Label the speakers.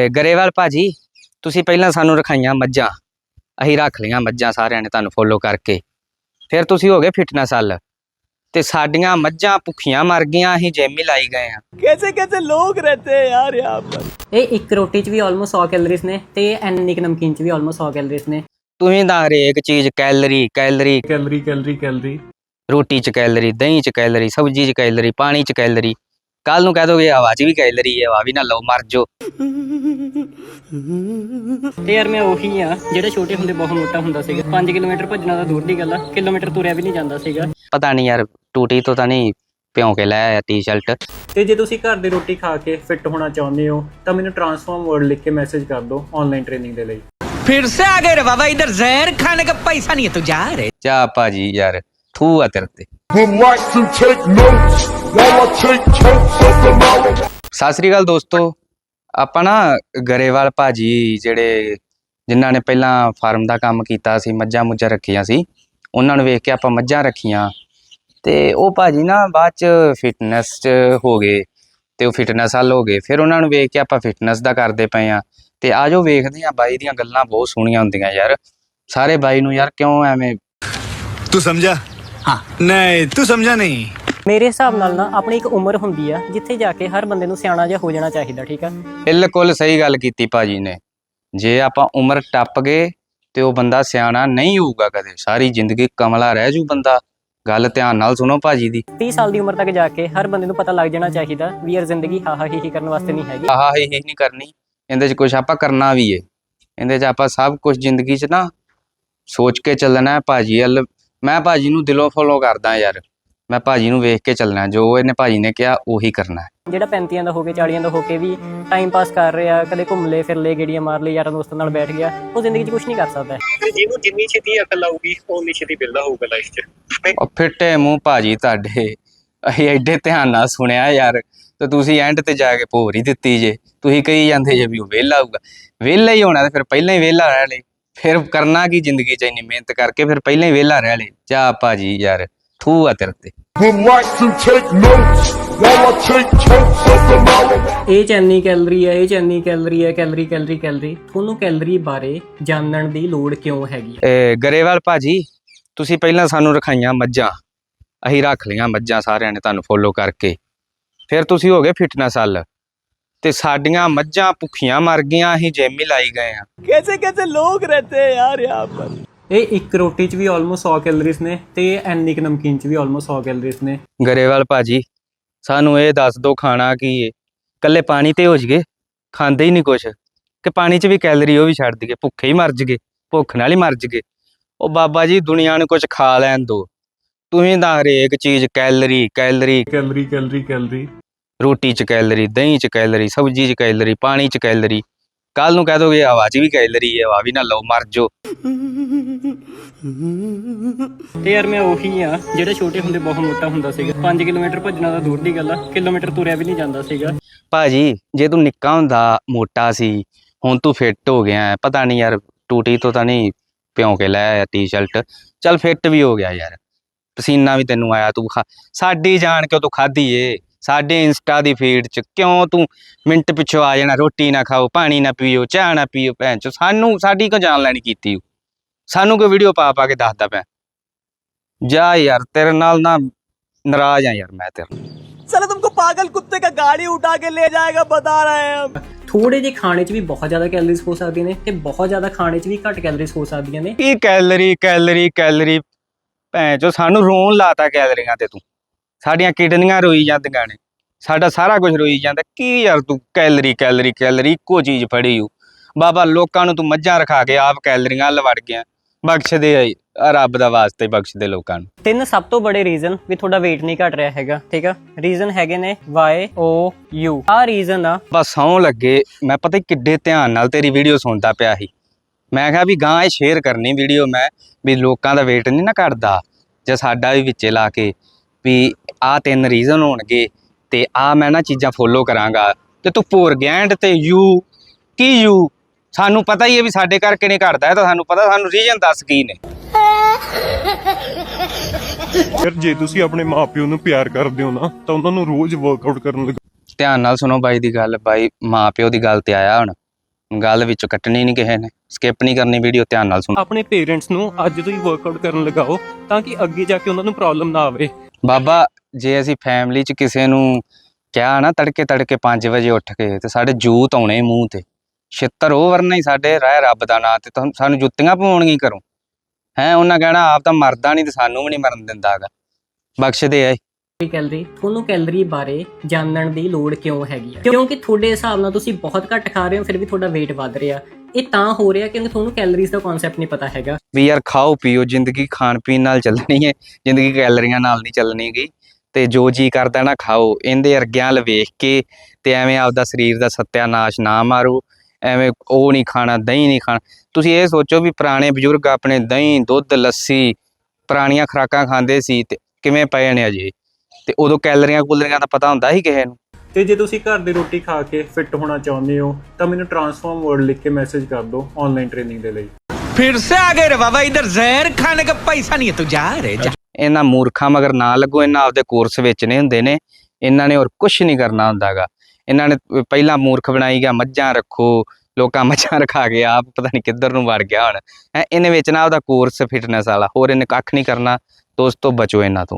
Speaker 1: ਗਰੇਵਾਲ ਭਾਜੀ ਤੁਸੀਂ ਪਹਿਲਾਂ ਸਾਨੂੰ ਰਖਾਈਆਂ ਮੱਝਾਂ, ਅਸੀਂ ਰੱਖ ਲਈਆਂ ਮੱਝਾਂ ਸਾਰਿਆਂ ਨੇ ਤੁਹਾਨੂੰ ਫੋਲੋ ਕਰਕੇ। ਫਿਰ ਤੁਸੀਂ ਹੋ ਗਏ ਫਿਟਨੈਸ ਵੱਲ ਤੇ ਸਾਡੀਆਂ ਮੱਝਾਂ ਭੁੱਖੀਆਂ ਮਰ ਗਈਆਂ, ਅਸੀਂ ਜਿਮ ਹੀ ਲਾਈ ਗਏ ਆ।
Speaker 2: कैसे कैसे लोग रहते हैं यार यहाँ पर।
Speaker 3: ਇਹ ਇੱਕ ਰੋਟੀ 'ਚ ਵੀ ਆਲਮੋਸਟ 100 ਕੈਲਰੀਜ਼ ਨੇ ਤੇ ਐਨੀ ਕੁ ਨਮਕੀਨ 'ਚ ਵੀ ਆਲਮੋਸਟ 100 ਕੈਲਰੀਜ਼ ਨੇ।
Speaker 1: ਤੁਸੀਂ ਤਾਂ ਹਰੇਕ ਚੀਜ਼ calorie calorie
Speaker 2: calorie calorie calorie
Speaker 1: ਰੋਟੀ 'ਚ ਕੈਲਰੀ, ਦਹੀਂ 'ਚ ਕੈਲਰੀ, ਸਬਜ਼ੀ 'ਚ ਕੈਲਰੀ, ਪਾਣੀ 'ਚ ਕੈਲਰੀ। ਕੱਲ ਨੂੰ ਕਹਿ ਦੋਗੇ ਹਵਾ 'ਚ ਵੀ ਕੈਲਰੀ ਹੈ, ਹਵਾ ਵੀ ਨਾ ਲਓ ਮਰ ਜਾਓ।
Speaker 3: ਤੇ ਯਾਰ ਮੈਂ ਉਹੀ ਆ ਜਿਹੜਾ ਛੋਟੇ ਹੁੰਦੇ ਬਹੁਤ ਮੋਟਾ ਹੁੰਦਾ ਸੀਗਾ। 5 ਕਿਲੋਮੀਟਰ ਭੱਜਣਾ ਤਾਂ ਦੂਰ ਦੀ ਗੱਲ ਆ, ਕਿਲੋਮੀਟਰ ਤੁਰਿਆ ਵੀ ਨਹੀਂ ਜਾਂਦਾ ਸੀਗਾ।
Speaker 1: ਪਤਾ ਨਹੀਂ ਯਾਰ ਟੂਟੀ ਤੋਂ ਤਾਂ ਨਹੀਂ ਭਿਉਂ ਕੇ ਲੈ ਆਇਆ ਟੀ-ਸ਼ਰਟ।
Speaker 3: ਤੇ ਜੇ ਤੁਸੀਂ ਘਰ ਦੀ ਰੋਟੀ ਖਾ ਕੇ ਫਿੱਟ ਹੋਣਾ ਚਾਹੁੰਦੇ ਹੋ ਤਾਂ ਮੈਨੂੰ ਟਰਾਂਸਫਾਰਮ ਵਰਡ ਲਿਖ ਕੇ ਮੈਸੇਜ ਕਰ ਦਿਓ ਆਨਲਾਈਨ ਟ੍ਰੇਨਿੰਗ ਦੇ ਲਈ।
Speaker 4: फिर से आ गए रे बाबा, इधर जहर खाने का पैसा नहीं है तो जा रहे।
Speaker 1: ਚਾ ਭਾਜੀ ਯਾਰ ਥੂ ਆ ਤੇਰੇ ਤੇ।
Speaker 5: would like to take notes while I take totes of the knowledge.
Speaker 1: ਸਤਿ ਸ੍ਰੀ ਅਕਾਲ ਦੋਸਤੋ, ਆਪਾਂ ਨਾ ਗਰੇਵਾਲ ਭਾਜੀ ਜਿਹੜੇ ਜਿਨ੍ਹਾਂ ਨੇ ਪਹਿਲਾਂ ਫਾਰਮ ਦਾ ਕੰਮ ਕੀਤਾ ਸੀ, ਮੱਝਾਂ ਮੁੱਝਾਂ ਰੱਖੀਆਂ ਸੀ, ਉਹਨਾਂ ਨੂੰ ਵੇਖ ਕੇ ਆਪਾਂ ਮੱਝਾਂ ਰੱਖੀਆਂ ਤੇ ਉਹ ਭਾਜੀ ਨਾ ਬਾਅਦ ਚ ਫਿਟਨੈਸ ਚ ਹੋ ਗਏ ਤੇ ਉਹ ਫਿਟਨੈਸ ਵੱਲ ਹੋ ਗਏ। ਫਿਰ ਉਹਨਾਂ ਨੂੰ ਵੇਖ ਕੇ ਆਪਾਂ ਫਿਟਨੈਸ ਦਾ ਕਰਦੇ ਪਏ ਆ ਤੇ ਆਜੋ ਵੇਖਦੇ ਆ। ਬਾਈ ਦੀਆਂ ਗੱਲਾਂ ਬਹੁਤ ਸੋਹਣੀਆਂ ਹੁੰਦੀਆਂ ਯਾਰ, ਸਾਰੇ ਬਾਈ ਨੂੰ ਯਾਰ ਕਿਉਂ ਐਵੇਂ।
Speaker 6: तू समझा? हाँ नहीं तू समझा नहीं।
Speaker 3: ਮੇਰੇ ਹਿਸਾਬ ਨਾਲ ਨਾ ਆਪਣੀ ਇੱਕ ਉਮਰ ਹੁੰਦੀ ਆ ਜਿੱਥੇ ਜਾ ਕੇ ਹਰ ਬੰਦੇ ਨੂੰ ਸਿਆਣਾ ਜਿਹਾ ਹੋ ਜਾਣਾ ਚਾਹੀਦਾ, ਠੀਕ ਆ।
Speaker 1: ਬਿਲਕੁਲ ਸਹੀ ਗੱਲ ਕੀਤੀ ਭਾਜੀ ਨੇ। ਜੇ ਆਪਾਂ ਉਮਰ ਟੱਪ ਗਏ ਤੇ ਉਹ ਬੰਦਾ ਸਿਆਣਾ ਨਹੀਂ ਹੋਊਗਾ ਕਦੇ, ਸਾਰੀ ਜ਼ਿੰਦਗੀ ਕਮਲਾ ਰਹਿ ਜੂ ਬੰਦਾ। ਗੱਲ ਧਿਆਨ ਨਾਲ ਸੁਣੋ ਭਾਜੀ ਦੀ।
Speaker 3: 30 ਸਾਲ ਦੀ ਉਮਰ ਤੱਕ ਜਾ ਕੇ ਹਰ ਬੰਦੇ ਨੂੰ ਪਤਾ ਲੱਗ ਜਾਣਾ ਚਾਹੀਦਾ ਵੀ ਯਾਰ ਜ਼ਿੰਦਗੀ ਹਾਹਾ ਹੀ ਕਰਨ ਵਾਸਤੇ ਨਹੀਂ ਹੈਗੀ।
Speaker 1: ਆਹ ਹੀ ਨਹੀਂ ਕਰਨੀ, ਇਹਦੇ 'ਚ ਕੁਝ ਆਪਾਂ ਕਰਨਾ ਵੀ ਏ। ਇਹਦੇ 'ਚ ਆਪਾਂ ਸਭ ਕੁਝ ਜ਼ਿੰਦਗੀ 'ਚ ਨਾ ਸੋਚ ਕੇ ਚੱਲਣਾ ਹੈ। ਭਾਜੀ ਵੱਲ ਮੈਂ ਭਾਜੀ ਨੂੰ ਦਿਲੋਂ ਫੋਲੋ ਕਰਦਾ ਯਾਰ, ਮੈਂ ਭਾਜੀ ਨੂੰ ਵੇਖ ਕੇ ਚੱਲਣਾ, ਜੋ ਇਹਨੇ ਭਾਜੀ ਨੇ ਕਿਹਾ ਉਹੀ ਕਰਨਾ ਹੈ।
Speaker 3: ਜਿਹੜਾ 35 ਦਾ ਹੋ ਕੇ 40 ਦਾ ਹੋ ਕੇ ਵੀ ਟਾਈਮ ਪਾਸ ਕਰ ਰਿਹਾ, ਕਦੇ ਘੁੰਮ ਲੇ ਫਿਰ ਲੇ, ਗੇੜੀਆਂ ਮਾਰ ਲਈ, ਯਾਰਾਂ ਦੋਸਤਾਂ ਨਾਲ ਬੈਠ ਗਿਆ, ਉਹ ਜ਼ਿੰਦਗੀ 'ਚ ਕੁਝ ਨਹੀਂ ਕਰ ਸਕਦਾ।
Speaker 7: ਜਿਹਨੂੰ ਜਿੰਨੀ ਛੇਤੀ ਅਕਲ ਆਊਗੀ ਓਨੀ ਛੇਤੀ ਬਿਲਦਾ ਹੋਊਗਾ ਲਾਈਫ 'ਚ।
Speaker 1: ਉਹ ਫਿੱਟੇ ਮੂੰਹ ਭਾਜੀ ਤੁਹਾਡੇ, ਅਸੀਂ ਐਡੇ ਧਿਆਨ ਨਾਲ ਸੁਣਿਆ ਯਾਰ ਤੇ ਤੁਸੀਂ ਐਂਡ ਤੇ ਜਾ ਕੇ ਭੋਰ ਹੀ ਦਿੱਤੀ ਜੇ। ਤੁਸੀਂ ਕਹੀ ਜਾਂਦੇ ਜੇ ਵੀ ਉਹ ਵਿਹਲਾ ਹੋਊਗਾ, ਵਿਹਲਾ ਹੀ ਹੋਣਾ ਤੇ ਫਿਰ ਪਹਿਲਾਂ ਹੀ ਵਿਹਲਾ ਰਹਿ ਲੈ। ਫਿਰ ਕਰਨਾ ਕੀ ਜ਼ਿੰਦਗੀ 'ਚ ਇੰਨੀ ਮਿਹਨਤ ਕਰਕੇ, ਫਿਰ ਪਹਿਲਾਂ ਹੀ ਵਿਹਲਾ ਰਹਿ ਲੈ। ਜਾ ਭਾਜੀ ਯਾਰ ਥੂ ਆ ਤੇਰੇ ਤੇ।
Speaker 5: Would like to take notes while I take totes of the knowledge.
Speaker 3: ਇਹ 'ਚ ਇੰਨੀ ਕੈਲਰੀ ਹੈ, ਇਹ 'ਚ ਇੰਨੀ ਕੈਲਰੀ ਹੈ, ਕੈਲਰੀ ਕੈਲਰੀ ਕੈਲਰੀ। ਤੁਹਾਨੂੰ ਕੈਲਰੀ ਬਾਰੇ ਜਾਣਨ ਦੀ ਲੋੜ ਕਿਉਂ ਹੈਗੀ?
Speaker 1: ਗਰੇਵਾਲ ਭਾਜੀ ਤੁਸੀਂ ਪਹਿਲਾਂ ਸਾਨੂੰ ਰਖਾਈਆਂ ਮੱਝਾਂ, ਅਸੀਂ ਰੱਖ ਲਈਆਂ ਮੱਝਾਂ ਸਾਰਿਆਂ ਨੇ ਤੁਹਾਨੂੰ ਫੋਲੋ ਕਰਕੇ। ਫਿਰ ਤੁਸੀਂ ਹੋ ਗਏ ਫਿਟਨੈਸ ਵੱਲ ਤੇ ਸਾਡੀਆਂ ਮੱਝਾਂ ਭੁੱਖੀਆਂ ਮਰ ਗਈਆਂ, ਅਸੀਂ ਜਿਮ ਹੀ ਲਾਈ ਗਏ ਆ।
Speaker 2: कैसे कैसे लोग रहते हैं यार यहाँ पर।
Speaker 3: ਇਹ ਇੱਕ ਰੋਟੀ 'ਚ ਵੀ ਆਲਮੋਸਟ 100 ਕੈਲਰੀਜ਼ ਨੇ ਤੇ ਐਨੀ ਕੁ ਨਮਕੀਨ 'ਚ ਵੀ ਆਲਮੋਸਟ 100 ਕੈਲਰੀਜ਼ ਨੇ।
Speaker 1: ਗਰੇਵਾਲ ਭਾਜੀ ਸਾਨੂੰ ਇਹ ਦੱਸ ਦਿਓ ਖਾਣਾ ਕੀ ਏ? ਇਕੱਲੇ ਪਾਣੀ ਤੇ ਹੋ ਜਗੇ, ਖਾਂਦੇ ਹੀ ਨਹੀਂ ਕੁਛ, ਕਿ ਪਾਣੀ 'ਚ ਵੀ ਕੈਲਰੀ ਉਹ ਵੀ ਛੱਡ ਦਈਏ, ਭੁੱਖੇ ਹੀ ਮਰ ਜਗੇ, ਭੁੱਖ ਨਾਲ ਹੀ ਮਰ ਜਗੇ। ਉਹ ਬਾਬਾ ਜੀ ਦੁਨੀਆ ਨੂੰ ਕੁਝ ਖਾ ਲੈਣ ਦਿਓ। ਤੁਸੀਂ ਤਾਂ ਹਰੇਕ ਚੀਜ਼ calorie calorie
Speaker 2: calorie calorie calorie
Speaker 1: ਰੋਟੀ 'ਚ ਕੈਲਰੀ, ਦਹੀਂ 'ਚ ਕੈਲਰੀ, ਸਬਜ਼ੀ 'ਚ ਕੈਲਰੀ, ਪਾਣੀ 'ਚ ਕੈਲਰੀ। ਕੱਲ ਨੂੰ ਕਹਿ ਦੋਗੇ ਹਵਾ 'ਚ ਵੀ ਕੈਲਰੀ ਹੈ, ਹਵਾ ਵੀ ਨਾ ਲਓ ਮਰ ਜਾਓ।
Speaker 3: ਤੇ ਯਾਰ ਮੈਂ ਉਹੀ ਆ ਜਿਹੜਾ ਛੋਟੇ ਹੁੰਦੇ ਬਹੁਤ ਮੋਟਾ ਹੁੰਦਾ ਸੀਗਾ। 5 ਕਿਲੋਮੀਟਰ ਭੱਜਣਾ ਤਾਂ ਦੂਰ ਦੀ ਗੱਲ ਆ, ਕਿਲੋਮੀਟਰ ਤੁਰਿਆ ਵੀ ਨਹੀਂ ਜਾਂਦਾ ਸੀਗਾ।
Speaker 1: ਭਾਜੀ ਜੇ ਤੂੰ ਨਿੱਕਾ ਹੁੰਦਾ ਮੋਟਾ ਸੀ, ਹੁਣ ਤੂੰ ਫਿੱਟ ਹੋ ਗਿਆ, ਪਤਾ ਨਹੀਂ ਯਾਰ ਟੂਟੀ ਤੋਂ ਤਾਂ ਨਹੀਂ ਭਿਉਂ ਕੇ ਲੈ ਆਇਆ ਟੀ-ਸ਼ਰਟ। ਚੱਲ ਫਿੱਟ ਵੀ ਹੋ ਗਿਆ ਯਾਰ, ਪਸੀਨਾ ਵੀ ਤੈਨੂੰ ਆਇਆ, ਤੂੰ ਸਾਡੀ ਜਾਣ ਕਿਉਂ ਤੂੰ ਖਾਧੀ ਏ? ਸਾਡੇ ਇੰਸਟਾ ਦੀ ਫੀਡ 'ਚ ਕਿਉਂ ਤੂੰ ਮਿੰਟ ਪਿੱਛੋਂ ਆ ਜਾਣਾ? ਰੋਟੀ ਨਾ ਖਾਓ, ਪਾਣੀ ਨਾ ਪੀਓ, ਚਾਹ ਨਾ ਪੀਓ, ਭੈਣ ਚੋ ਸਾਨੂੰ ਸਾਡੀ ਕਿਉਂ ਜਾਣ ਲੈਣੀ ਕੀਤੀ? ਸਾਨੂੰ ਕੋਈ ਵੀਡੀਓ ਪਾ ਕੇ ਦੱਸਦਾ ਪਿਆ? ਜਾ ਯਾਰ ਤੇਰੇ ਨਾਲ ਨਾ ਨਾਰਾਜ਼ ਆ ਯਾਰ ਮੈਂ ਤੇਰੇ।
Speaker 2: साला तुमको पागल कुत्ते का गाड़ी उठा के ले जाएगा बता रहे हैं हम।
Speaker 3: ਥੋੜੇ ਜਿਹੇ ਖਾਣੇ 'ਚ ਵੀ ਬਹੁਤ ਜ਼ਿਆਦਾ ਕੈਲਰੀਜ਼ ਹੋ ਸਕਦੀਆਂ ਨੇ ਤੇ ਬਹੁਤ ਜ਼ਿਆਦਾ ਖਾਣੇ 'ਚ ਵੀ ਘੱਟ ਕੈਲਰੀਜ਼ ਹੋ ਸਕਦੀਆਂ ਨੇ।
Speaker 1: ਕੀ ਕੈਲਰੀ ਕੈਲਰੀ ਕੈਲਰੀ, ਭੈਣ ਚੋ ਸਾਨੂੰ ਰੋਣ ਲਾਤਾ ਕੈਲਰੀਆਂ ਤੇ ਤੂੰ। ਸਾਡੀਆਂ ਕਿਡਨੀਆਂ ਰੋਈ ਜਾਂਦੀਆਂ ਨੇ, ਸਾਡਾ ਸਾਰਾ ਕੁਝ ਰੋਈ ਜਾਂਦਾ। ਕੀ ਯਾਰ ਤੂੰ ਕੈਲਰੀ ਕੈਲਰੀ ਕੈਲਰੀ ਇੱਕੋ ਚੀਜ਼ ਫੜੀ ਹੋ। ਬਾਬਾ ਲੋਕਾਂ ਨੂੰ ਤੂੰ ਮੱਝਾਂ ਰਖਾ ਕੇ ਆਪ ਕੈਲਰੀਆਂ ਵੱਲ ਵੜ ਗਿਆ। ਬਖਸ਼ ਦੇ ਰੱਬ ਦਾ ਵਾਸਤੇ, ਬਖਸ਼ ਦੇ ਲੋਕਾਂ ਨੂੰ।
Speaker 3: 3 ਸਭ ਤੋਂ ਬੜੇ ਰੀਜ਼ਨ ਵੀ ਤੁਹਾਡਾ weight ਨਹੀਂ ਘਟ ਰਿਹਾ ਹੈਗਾ, ਠੀਕ ਆ। ਰੀਜ਼ਨ ਹੈਗੇ ਨੇ YOU। ਆਹ ਰੀਜ਼ਨ ਆ।
Speaker 1: ਬਸ ਸੌਂ ਲੱਗੇ, ਮੈਂ ਪਤਾ ਕਿੱਡੇ ਧਿਆਨ ਨਾਲ ਤੇਰੀ ਵੀਡੀਓ ਸੁਣਦਾ ਪਿਆ ਸੀ। ਮੈਂ ਕਿਹਾ ਵੀ ਗਾਂ ਇਹ ਸ਼ੇਅਰ ਕਰਨੀ ਵੀਡੀਓ ਮੈਂ, ਵੀ ਲੋਕਾਂ ਦਾ weight ਨਹੀਂ ਨਾ ਘਟਦਾ, ਜਾਂ ਸਾਡਾ ਵੀ ਵਿੱਚੇ ਲਾ ਕੇ ਵੀ ਆਹ 3 ਰੀਜ਼ਨ ਹੋਣਗੇ ਤੇ ਆਹ ਮੈਂ ਨਾ ਚੀਜ਼ਾਂ ਫੋਲੋ ਕਰਾਂਗਾ। ਤੇ ਤੂੰ ਭੁਰ ਗਿਆ ਐਂਡ ਤੇ ਯੂ ਕੀ ਯੂ? ਸਾਨੂੰ ਪਤਾ ਹੀ ਹੈ ਵੀ ਸਾਡੇ ਕਰਕੇ ਨਹੀਂ ਘਟਦਾ, ਤਾਂ ਸਾਨੂੰ ਪਤਾ, ਸਾਨੂੰ ਰੀਜ਼ਨ ਦੱਸ ਕੀ ਨੇ।
Speaker 8: ਯਾਰ ਜੇ ਤੁਸੀਂ ਆਪਣੇ ਮਾਪਿਓ ਨੂੰ ਪਿਆਰ ਕਰਦੇ ਹੋ ਨਾ ਤਾਂ ਉਹਨਾਂ ਨੂੰ ਰੋਜ਼ ਵਰਕਆਊਟ ਕਰਨ ਲਈ।
Speaker 1: ਧਿਆਨ ਨਾਲ ਸੁਣੋ ਬਾਈ ਦੀ ਗੱਲ। ਬਾਈ ਮਾਂ ਪਿਓ ਦੀ ਗੱਲ ਤੇ ਆਇਆ ਹੁਣ, ਗੱਲ ਵਿੱਚੋਂ ਕੱਟਣੀ ਨਹੀਂ ਕਿਸੇ ਨੇ, ਸਕਿਪ ਨਹੀਂ ਕਰਨੀ ਵੀਡੀਓ, ਧਿਆਨ ਨਾਲ ਸੁਣ।
Speaker 3: ਆਪਣੇ ਪੇਰੈਂਟਸ ਨੂੰ ਅੱਜ ਤੋਂ ਹੀ ਵਰਕਆਊਟ ਕਰਨ ਲਗਾਓ ਤਾਂ ਕਿ ਅੱਗੇ ਜਾ ਕੇ ਉਹਨਾਂ ਨੂੰ ਪ੍ਰੋਬਲਮ ਨਾ ਆਵੇ।
Speaker 1: ਬਾਬਾ ਜੇ ਅਸੀਂ ਫੈਮਿਲੀ 'ਚ ਕਿਸੇ ਨੂੰ ਕਿਹਾ ਨਾ ਤੜਕੇ 5 ਵਜੇ ਉੱਠ ਕੇ, ਤੇ ਸਾਡੇ ਜੂਤ ਆਉਣੇ ਮੂੰਹ ਤੇ, ਛਿੱਤਰ ਉਹ ਵਰਨਾ ਹੀ ਸਾਡੇ ਰਹਿ ਰੱਬ ਦਾ ਨਾਂ, ਤੇ ਸਾਨੂੰ ਜੁੱਤੀਆਂ ਪਵਾਉਣਗੀਆਂ ਕਰੋ ਹੈ। ਉਹਨਾਂ ਕਹਿਣਾ ਆਪ ਤਾਂ ਮਰਦਾ ਨਹੀਂ ਤੇ ਸਾਨੂੰ ਵੀ ਨਹੀਂ ਮਰਨ ਦਿੰਦਾ ਹੈਗਾ, ਬਖਸ਼ਦੇ ਆ।
Speaker 3: ਕੈਲਰੀ, ਤੁਹਾਨੂੰ ਕੈਲਰੀ ਬਾਰੇ ਜਾਣਨ ਦੀ ਲੋੜ ਕਿਉਂ ਹੈਗੀ ਆ? ਕਿਉਂਕਿ ਤੁਹਾਡੇ ਹਿਸਾਬ ਨਾਲ ਤੁਸੀਂ ਬਹੁਤ ਘੱਟ ਖਾ ਰਹੇ ਹੋ, ਫਿਰ ਵੀ ਤੁਹਾਡਾ weight ਵੱਧ ਰਿਹਾ। ਇਹ ਤਾਂ ਹੋ ਰਿਹਾ ਕਿਉਂਕਿ ਤੁਹਾਨੂੰ ਕੈਲਰੀਜ਼ ਦਾ ਕਨਸੈਪਟ ਨਹੀਂ ਪਤਾ ਹੈਗਾ।
Speaker 1: ਵੀ ਯਾਰ ਖਾਓ ਪੀਓ, ਜ਼ਿੰਦਗੀ ਖਾਣ ਪੀਣ ਨਾਲ ਚੱਲਣੀ ਹੈ, ਜ਼ਿੰਦਗੀ ਕੈਲਰੀਆਂ ਨਾਲ ਨਹੀਂ ਚੱਲਣੀ ਗੀ। ਤੇ ਜੋ ਜੀ ਕਰਦਾ ਨਾ ਖਾਓ, ਇਹਦੇ ਅਰਗਿਆਂ ਵੱਲ ਵੇਖ ਕੇ ਤੇ ਐਵੇਂ ਆਪਦਾ ਸਰੀਰ ਦਾ ਸੱਤਿਆਨਾਸ਼ ਨਾ ਮਾਰੋ। ਐਵੇਂ ਉਹ ਨਹੀਂ ਖਾਣਾ, ਦਹੀਂ ਨਹੀਂ ਖਾਣਾ। ਤੁਸੀਂ ਇਹ ਸੋਚੋ ਵੀ ਪੁਰਾਣੇ ਬਜ਼ੁਰਗ ਆਪਣੇ ਦਹੀਂ ਦੁੱਧ ਲੱਸੀ ਪੁਰਾਣੀਆਂ ਖੁਰਾਕਾਂ ਖਾਂਦੇ ਸੀ ਤੇ ਕਿਵੇਂ ਪਏ ਨੇ ਅਜੇ, ਤੇ ਉਦੋਂ ਕੈਲਰੀਆਂ ਕੂਲਰੀਆਂ ਦਾ ਪਤਾ ਹੁੰਦਾ ਸੀ ਕਿਸੇ ਨੂੰ।
Speaker 3: ਤੇ ਜੇ ਤੁਸੀਂ ਘਰ ਦੀ ਰੋਟੀ ਖਾ ਕੇ ਫਿੱਟ ਹੋਣਾ ਚਾਹੁੰਦੇ ਹੋ ਤਾਂ ਮੈਨੂੰ ਟਰਾਂਸਫਾਰਮ ਵਰਡ ਲਿਖ ਕੇ ਮੈਸੇਜ ਕਰ ਦਿਓ ਆਨਲਾਈਨ ਟ੍ਰੇਨਿੰਗ ਦੇ ਲਈ।
Speaker 4: फिर से आ गए रे बाबा, इधर जहर खाने का पैसा नहीं है, तू जा रे जा।
Speaker 1: ਇਹਨਾਂ ਮੂਰਖਾਂ ਮਗਰ ਨਾ ਲੱਗੋ, ਇਹਨਾਂ ਆਪਦੇ ਕੋਰਸ ਵੇਚਣੇ ਹੁੰਦੇ ਨੇ, ਇਹਨਾਂ ਨੇ ਹੋਰ ਕੁਝ ਨਹੀਂ ਕਰਨਾ ਹੁੰਦਾ ਗਾ। ਇਹਨਾਂ ਨੇ ਪਹਿਲਾਂ ਮੂਰਖ ਬਣਾਈ ਗਿਆ, ਮੱਝਾਂ ਰੱਖੋ, ਲੋਕਾਂ ਮੱਝਾਂ ਰਖਾ ਕੇ ਆਪ ਪਤਾ ਨਹੀਂ ਕਿੱਧਰ ਨੂੰ ਵੜ ਗਿਆ ਹੁਣ। ਇਹਨੇ ਵੇਚਣਾ ਉਹਦਾ ਕੋਰਸ ਫਿਟਨੈਸ ਵਾਲਾ, ਹੋਰ ਇਹਨੇ ਕੱਖ ਨਹੀਂ ਕਰਨਾ। ਦੋਸਤੋ ਬਚੋ ਇਹਨਾਂ ਤੋਂ।